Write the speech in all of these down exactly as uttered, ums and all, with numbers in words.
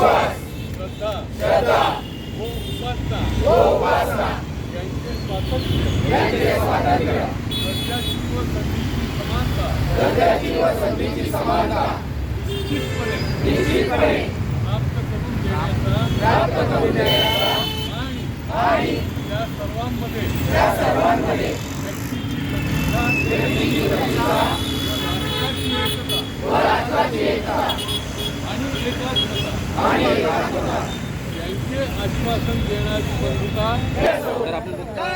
विश्वास, श्रद्धा श्रद्धा व उपासना व उपासना यांचे स्वातंत्र्य, यांचे स्वातंत्र्य, दर्जाची व संधीची समानता दर्जाची व संधीची समानता निश्चितपणे निश्चितपणे प्राप्त करून देण्याचा प्राप्त करून देण्याचा आणि आणि त्या सर्वांमध्ये त्या सर्वांमध्ये व्यक्तीची प्रतिष्ठा व्यक्तीची प्रतिष्ठा व राष्ट्राची एकता व राष्ट्राची एकता आणि एकात्मता आणि एकात्मता यांचे आश्वासन देणारी बंधुता तर आपण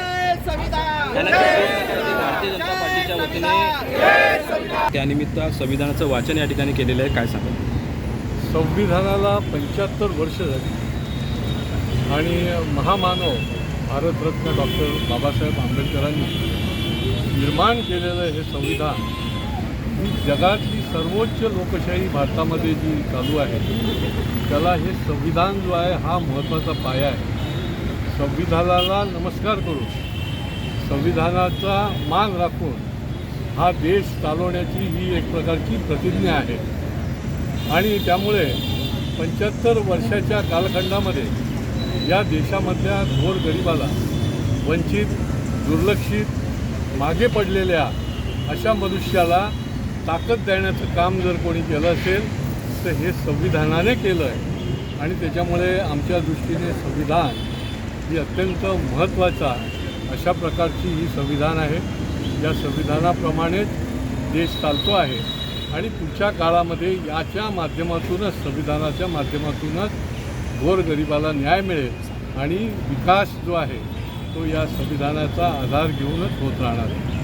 भारतीय जनता पार्टीच्या वतीने त्यानिमित्त संविधानाचं वाचन या ठिकाणी केलेलं आहे. काय सांगा? संविधानाला पंच्याहत्तर वर्ष झाली आणि महामानव भारतरत्न डॉक्टर बाबासाहेब आंबेडकरांनी निर्माण केलेलं हे संविधान ही जगातली सर्वोच्च लोकशाही भारतामध्ये जी चालू आहे त्याला हे संविधान जो आहे हा महत्त्वाचा पाया आहे. संविधानाला नमस्कार करून संविधानाचा मान राखून हा देश चालवण्याची ही एक प्रकारची प्रतिज्ञा आहे आणि त्यामुळे पंच्याहत्तर वर्षाच्या कालखंडामध्ये या देशामधल्या गोरगरिबाला, वंचित, दुर्लक्षित, मागे पडलेल्या अशा मनुष्याला ताकद देण्याचं काम जर कोणी केलं असेल तर हे संविधानाने केलं आहे आणि त्याच्यामुळे आमच्या दृष्टीने संविधान ही अत्यंत महत्त्वाचा अशा प्रकारची ही संविधान आहे. या संविधानाप्रमाणेच देश चालतो आहे आणि पुढच्या काळामध्ये याच्या माध्यमातूनच संविधानाच्या माध्यमातूनच गोरगरिबाला न्याय मिळेल आणि विकास जो आहे तो या संविधानाचा आधार घेऊनच होत राहणार आहे.